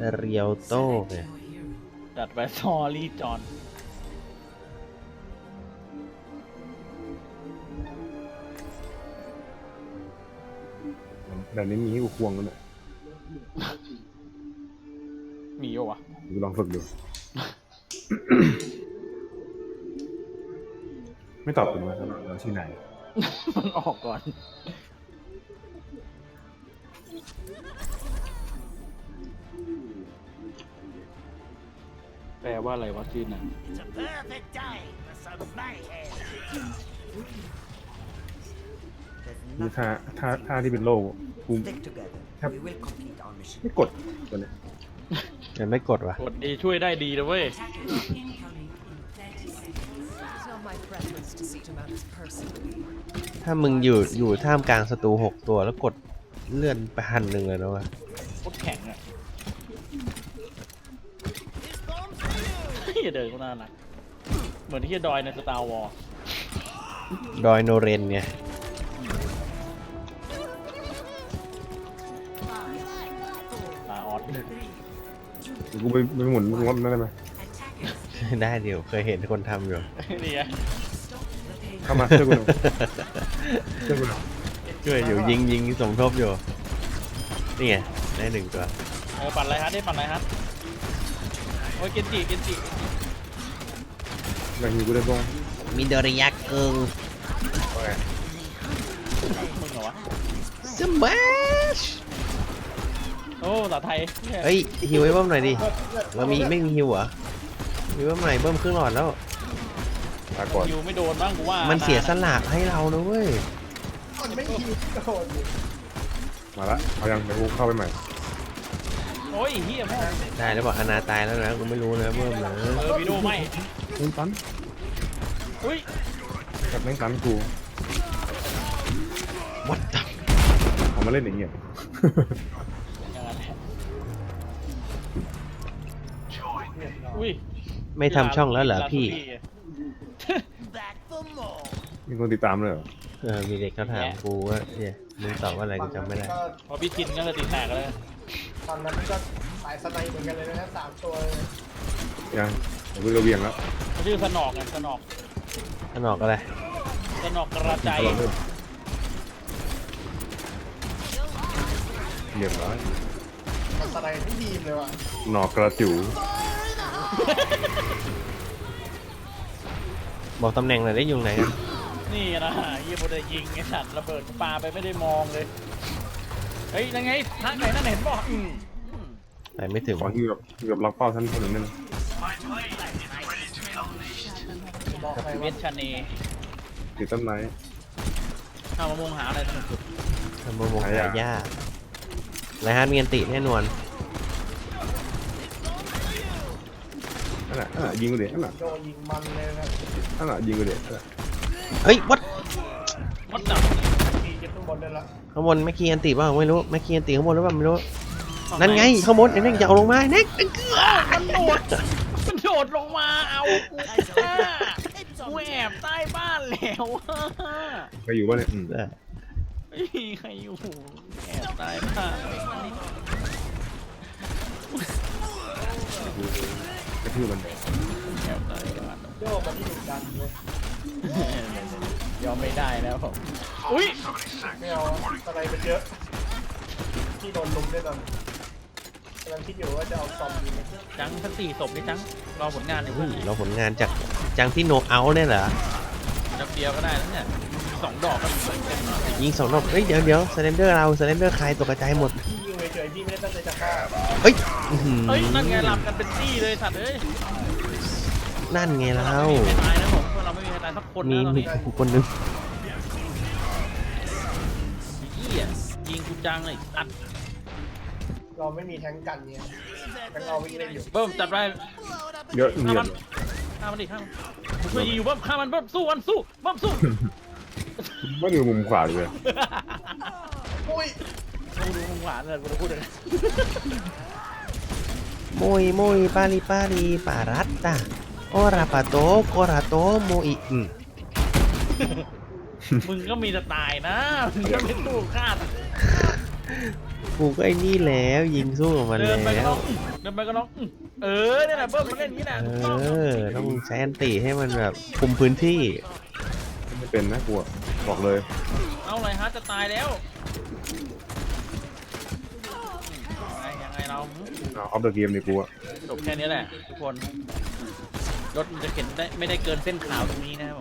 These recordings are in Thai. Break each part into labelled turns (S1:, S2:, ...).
S1: เรียวโต้ไง
S2: จัดไปซอรี่จอน
S3: แต่นี้มีให้กูควงกันเนี่ย
S2: มีอยู่วะ
S3: กูลองฝึกดู ไม่ตอบคุณว่าเราชื่อไหน
S2: มันออกก่อนแปลว่าอะไรวะชื่อนั้น
S4: It's a perfect day for some mayhem.
S3: นี่ท่าที่เป็นโลกกู
S5: Stick together.
S3: Yep.
S5: We will complete our mission.
S3: ไม่กดตัวเนี้ย
S1: ยังไม่กดวะ
S2: กดดีช่วยได้ดีนะเว้ย
S6: It's not my preference to see him out as personally.
S1: ถ้ามึงอยู่ท่ามกลางศัตรู6 ตัวแล้วกดเลื่อนไป1,000เลยนะวะ
S2: โคตรแข็งอ่ะ
S4: This bomb's for you.
S2: ที่เดินก็น่ารักเหมือนที่ดอยในสตาร์วอร์
S1: ดอยโนเรนเนี่ย
S2: ตาออด
S3: กูไปหมุนงดนั่นได้ไหม
S1: ได้เดี๋ยวเคยเห็นคนทำอยู่
S2: นี่ไง
S3: เข้ามาช่วยกูหน่อยช่วยกูหน่อย
S1: ช่วยอยู่ยิงสมทบอยู่ นี่ไงได้1 ตัว
S2: ปั่นไรฮัทได้ปั่นไรฮัทโอ้ยเกนจิ
S3: แบ่งกูได้บ้าง
S1: มิโดริยะเกิง
S3: โอเค
S2: มึงเหรอวะ
S1: สมัช
S2: โอ้ภาษาไทย
S1: เฮ้ยฮิวไอ้เบิ้มหน่อยดิเราไม่มีฮิวเหรอฮิวเบิ้มหน่อยเบิ้มครึ่งหลอดแล้ว
S3: ลาก่อน
S2: ยูไม่โดนบ้างกูว่า
S1: มันเสียสละให้เรานะเว้ย
S3: มาละเอายังเดี๋ยวกูเข้าไปใหม่
S2: โอ้ยเฮียแม่ง
S1: ได้แล้วบอกอนาตายแล้วนะกูไม่รู้นะเบิ้มนะ
S2: วิดีโอไม่
S3: แม่งตัน
S2: อุ้ย
S3: กับแม่งตันกู
S1: วัดตับ
S3: เอามาเล่นอย่างเงี้ย
S2: อย่างนั้นแหละอุ้ย
S1: ไม่ทำช่องแล้วเหรอพี่
S4: Back for more.
S3: มีคนติดตามเลยเหรอ
S1: มีเด็กเขาถามกูว่าเนี่ยมึงตอบว่าอะไรกูจำไม่ได้
S2: พอพี่ชินก็เลยติดแตกเลย
S7: ตอนนั้นก็สายสไนเหมือนกันเลยนะ3 ตัวเลย
S3: ยังเดี๋ยวกูจะเวียงแล้ว
S2: เขาชื่อสนอกไงสนอก
S1: ขนอกอะไร
S2: สนอกกระจาย
S3: เรียบร้อย
S7: สไนที่ทีมเลยว่ะ
S3: หนอกกระจิ๋ว
S1: บอกตำแหน่งหน่อยได้ยุงไหนกัน
S2: นี่นะยี่บุได้ยิงไอ้สัตว์ระเบิดปาไปไม่ได้มองเลยเฮ้ยยังไงทางไหนนั่นเห็นบอก
S1: ไปไม่ถึง
S3: ขอที่แบบล็อกเป้าท่านคนหนึ่งนั่น
S7: บอกไป
S2: เว
S7: ว่า
S2: ชชาเน
S3: ติดต้นไม้
S2: เอามามงหาอะไรสนุกสุด
S1: ทำประมงหายากไรฮะมีอันติแน่นอน
S3: นั่นน่ะยิงกูเด็ดนั่นน่ะ
S7: โดนยิงมันเลยนะ
S3: นั่นน่ะยิงกูเด็ดนั่นน่ะ
S1: เฮ้ยวัด
S2: วัดดับ
S7: ทีเก็บข้างบนได้ละ
S1: ข้างบนแม่คีอันติบ้างไม่รู้แม่คีอันติข้างบนหรือเปล่าไม่รู้นั่นไงข้างบนไอ้เน่งจะเอาลงมาเน่ง
S2: มันโดดลงมาเอากูแอบใต้บ้านแล้ว
S3: ใครอยู่บ้านเนี่ย
S2: ไม่มีใครอยู่แอบใต้บ้าน
S3: กระทืบมัน
S2: แอบใต้บ้าน
S7: โยกมันที่ดุดันเลย
S2: ยอมไม่ได้แล้วผมอุ้ย
S7: ไม่เอาสไนเป็นเยอะที่โดนลุมด้วยกันกำลังคิดอยู่ว่าจะเอาซอมยิง
S2: จังทั้ง4 ศพนี่จังรอผลงานอยู่
S1: เราผลงานจากจังที่โนเอาเนี่ยเหรอ
S2: จับเดียวก็ได้แล้วเนี่ย2 ดอกก็เต็มแล้ว
S1: ยิง2 รอบเฮ้ยเดี๋ยวสเลนเดอร์เราสเลนเดอร์ใครตกกระจายหมด
S7: พี่ยิงเฉยๆพี่ไม่ได้ตั้งใจจะฆ่า
S1: เฮ้ยอื้อหือ
S2: เฮ้ยนั่นไงลำกันเป็นตี้เลยสัตว์เอ้ย
S1: นั่นไงเรา
S2: ไม่มีใครตายนะผมพวกเราไม่มีใครตายสักคน
S1: มี
S2: นะตอน
S1: มี
S2: นี้
S1: คนนึง
S2: เหี้ยยิงกูจังเลยอัด
S7: เราไม่มีแทงกันเนี่ยแทงเราวิ่งเล่นอยู่
S2: เบิ้มจัดไป
S3: เยอะเงียบ
S2: ฆ่ามันดิฆ่ามันผมช่วยยิงอยู่เบิ้มฆ่ามันเบิ้มสู้มันสู้เบิ้มสู้
S3: ไม่อยู่มุมขวาเลย
S7: อุ้ย
S2: กูดูมึงหวานเลยกูจะพูดเลย
S1: muy pali parata ora pato corato muy
S2: มึงก็มีแต่ตายนะมึงก็ไม่สู้ฆ่า
S1: กูก็ไอ้นี่แล้วยิงสู้กับมัน
S2: เดินไปก็
S1: แล้
S2: น้
S1: ว
S2: องเดินไปก็น้องเนี่ยแหละเบิ้มมันเล่นอย่างนี้แหละ
S1: เอ
S2: ถูกต้อง
S1: อต้องใช้อันติให้มันแบบคุมพื้นที่
S3: ไม่เป็นนะกูอะบอกเลย
S2: เอาเลยฮะจะตายแล้วยังไงเรา
S3: เอาออฟเดอะเกมนี่กูอะ
S2: จบแค่นี้แหละทุกคนรถมันจะเข็นได้ไม่ได้เกินเส้นขาวตรงนี้นะครับผม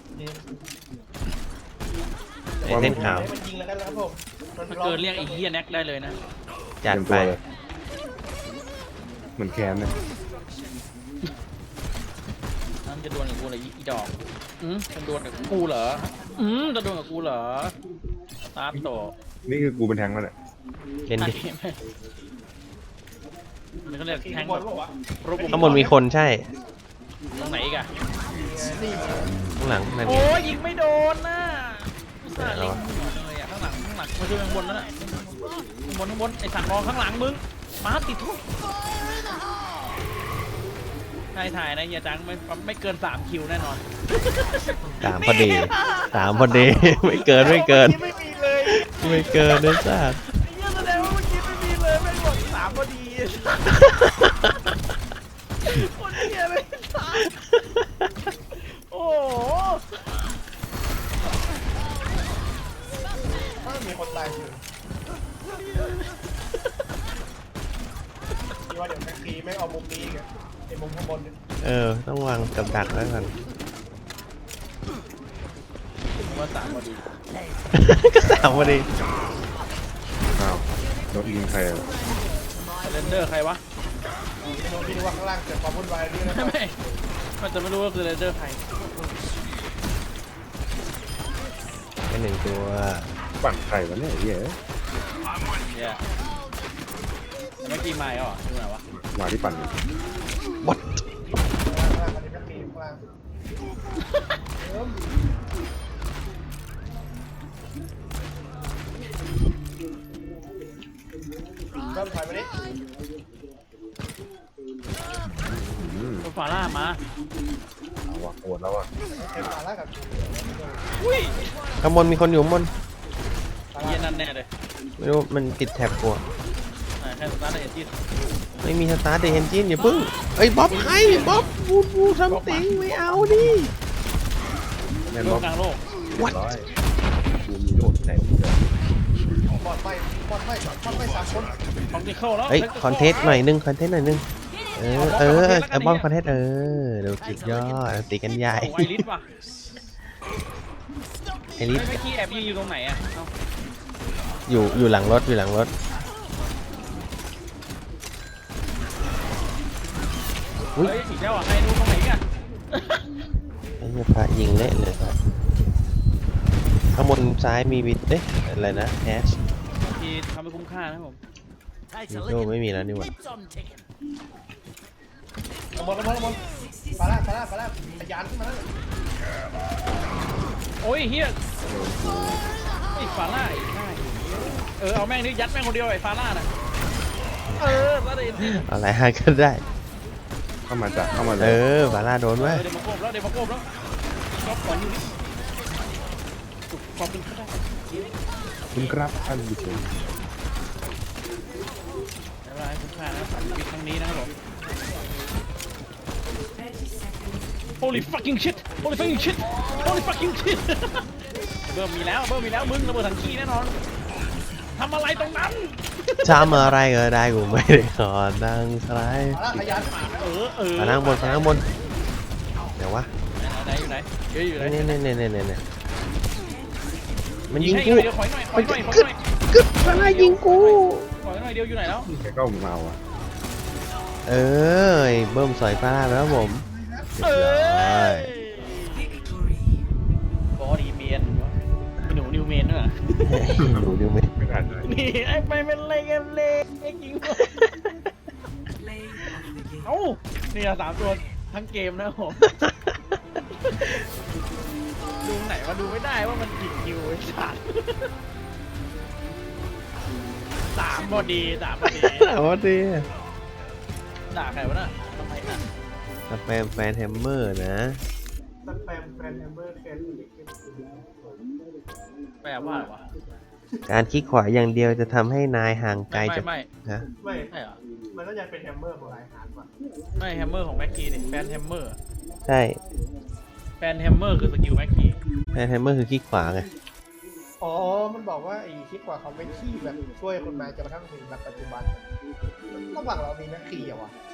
S1: ไอ้เส้นขาว
S7: ให้มันยิงแล้วกันนะครับผมมัน
S2: ถ้าเกินเรียกไอ้เหี้ยแน็กได้เลยนะ
S1: จัด
S3: เต็ม
S1: ไป
S3: ตัวเลยเหมือนแคนเนี่ย
S2: นั่นจะดวลกับกูเหรออีดอกจะดวลกับกูเหรอจะดวลกับกูเหรอตาโต
S3: นี่คือกูเป็นแทงค์แล้วเนี่ย
S1: เป็นดิ
S2: มันก็เรียกแทง
S7: บอลบอกว่า
S2: รูป
S1: ข้างบนมีคนใช่
S2: ตรงไหนอีกอะ
S7: นี่
S1: ข้างหลังนั่น
S2: โอ้
S1: ไง
S2: ยยิงไม่โดนน่ะอุตส่าห์เล็งหัวเลยอะข้างหลังมาช่วยข้างบนนั่นแหละข้างบนไอ้สัตว์มองข้างหลังมึงมาติดทุกถ่ายนะเฮียจังไม่เกิน3คิวแน่นอน
S1: สามพอดีสามพอดี ไม่เกินไม่เกิน
S2: ไม่มีเลย
S1: ไม่เกินนะจ๊ะ
S2: เฮียแสดงว่าเมื่อกี้ไม่มีเลยไม่หมด3พอดีคนเฮียเลยโอ้โห
S7: ถ้ามีคนตายอยู่ที่ว่าเดี๋ยวแม็กซีไม่เอามุมนี้อีกอะไอ้มุมข้างบนเนี่ย
S1: ต้องวางกับดักไว้ก่อน
S2: ว่า3พอดี
S1: ก็สามพอดี
S3: อ้าวรถยิงใครอะ
S2: เรนเดอร์ใครวะ
S7: โดนพี่นึกว่าข้างล่างเกิดความวุ่นวายนี่นะ
S2: ไม่มันจะไม่รู้ว่าคือเรนเดอร์ใคร
S1: แค่หนึ่งตัว
S3: ปั่นใครวะเนี่ยไอ้เหี้ย
S2: เนี่ยเมื่อกี้มาเหรอดูหน่อยวะ
S3: มาที่ปั่น
S1: What
S7: ข้างล่างอันนี้แม็กซีข้างล่างเริ่มถอยมาดิ
S2: รถฟาร่ามา
S3: เอาวะโอดแล้วอะ
S7: เอ็มมาแล้วกับ
S2: อุ้ย
S1: ข้างบนมีคนอยู่ข้างบน
S2: เย็นนั่นแน่เลย
S1: ไม่รู้มันติดแท็บกูอะ
S2: แค่สตาร์ทเอ็นจิน
S1: ไม่มีสตาร์ทเดนจินอย่าพึ่งเอ้ยบ๊อบให้บ๊อบบูซัมติงไม่เอาดิ
S3: แม่น
S2: โล
S3: บอก
S2: กลางโลก
S1: What
S3: ร้อยกูมีโดดที่ไหนกูจะ
S7: บอลไม่สามคน
S2: ของดิเคิลแล้ว
S1: เอ้ยคอนเทสต์หน่อยนึงคอนเทสต์หน่อยนึงบ๊อบคอนเทสต์เดี๋ยวสุดยอดตีกันใหญ่
S2: ไวลิสว่ะ
S1: ไอริส
S2: ไม่กี้แอบยิงอยู่ตรงไหนอ่ะ
S1: อยู่หลังรถอยู่หลังรถอุ้ย
S2: เฮ้ยสีเจ้าอ่ะใครรู้ตรงไหนอ่ะ
S1: ไอ้เหี้ยพระยิงเละเลยครับข้างบนซ้ายมีวิทเอ๊ะอะไรนะแอช
S2: ทีทำให้คุ้มค่านะผม
S4: Takes a
S1: โด
S4: licking.
S1: ไม่มีแล้วนี่หว่า
S4: Keeps on ticking.
S7: ข้างบนฟาร่าทะยานขึ้นมาแล้ว
S2: โอ้ยเฮียไอ้ฟาร่าไอ้ง่ายเอาแม่งนี่ยัดแม่งคนเดียวไอ้ฟาร่าน่ะแล้วเดี๋ยว
S1: อะไรฮะก็ได้
S3: เข้ามาจ้ะเข้ามาเลย
S1: บาร่าโดนไว้
S2: เดี๋ยวมาโกบแล้วก็ขออยู่นี่ขอบคุณก็ได้
S3: คุณครับท่านผู้ชม
S2: เวลาให้คุ้มค่านะสามชีวิตครั้งนี้นะครับผม Holy fucking shit Holy fucking shit Holy fucking shit เบิ่มมีแล้วมึงระเบิดถังขี้แน่นอนทำอะไรตรงนั้น
S1: ทำอะไรก็ได้กูไม่ได้ขอนั่งสไลด์
S7: ฟาร่าทะยานขึ้นมา
S1: มานั่งบนเดี๋ยววะ
S2: ไหนอยู่ไหนอยู่ไหน
S1: เนี่ยมันยิง
S2: ให้
S1: กู
S2: เดี๋ยวขอยหน่อย
S1: กึดบาร่ายิงกู
S2: ขอยหน่อยเดียวอยู่ไหนแล้ว
S3: แกก็มาเอาอะ
S1: ไอ้เบิ้มสอยบาร่าไปแล้วผม
S2: บอดีเมียนหนูนิวเมนด้วย
S1: ดูดูไหม
S3: ไม่ได้เลย
S2: นี่ไอ้ไปเป็นอะไรกันเลยไอ้ยิงเอ้าเนี่ย3 ตัวทั้งเกมนะผมดูไหนมาดูไม่ได้ว่ามันผิดคิวไอ้สัตว์3พอดี
S1: ถามว่าดี
S2: ด่าใครวะน่ะทำไมน่ะ
S1: สแปมแฟนแฮมเมอร์นะ
S7: สแปมแฟนแฮมเมอร์แคน
S2: แปลว่าอะไรวะ
S1: การคลิกขวาอย่างเดียวจะทำให้นายห่างไกล
S2: ไม่
S1: จาก
S2: ไม่
S1: นะ
S7: ไม่
S2: ใช่เหรอ
S7: มันน่าจะเป็นแฮมเมอร์ของไลน์ฮาร์ดว่ะ
S2: ไม่แฮมเมอร์ของแม็กกี้ดิแฟนแฮมเมอร์
S1: ใช่
S2: แฟนแฮมเมอร์คือสกิลแม็กกี้
S1: แฮมเมอร์คือคลิกขวาไง
S7: อ๋อ มันบอกว่าไอ้คิดกว่าเขาไม่ขี้แบบช่วยคนมาจนกระทั่งถึงแบบปัจจุบัน ระหว่างเรามีแม็กกี้อะวะ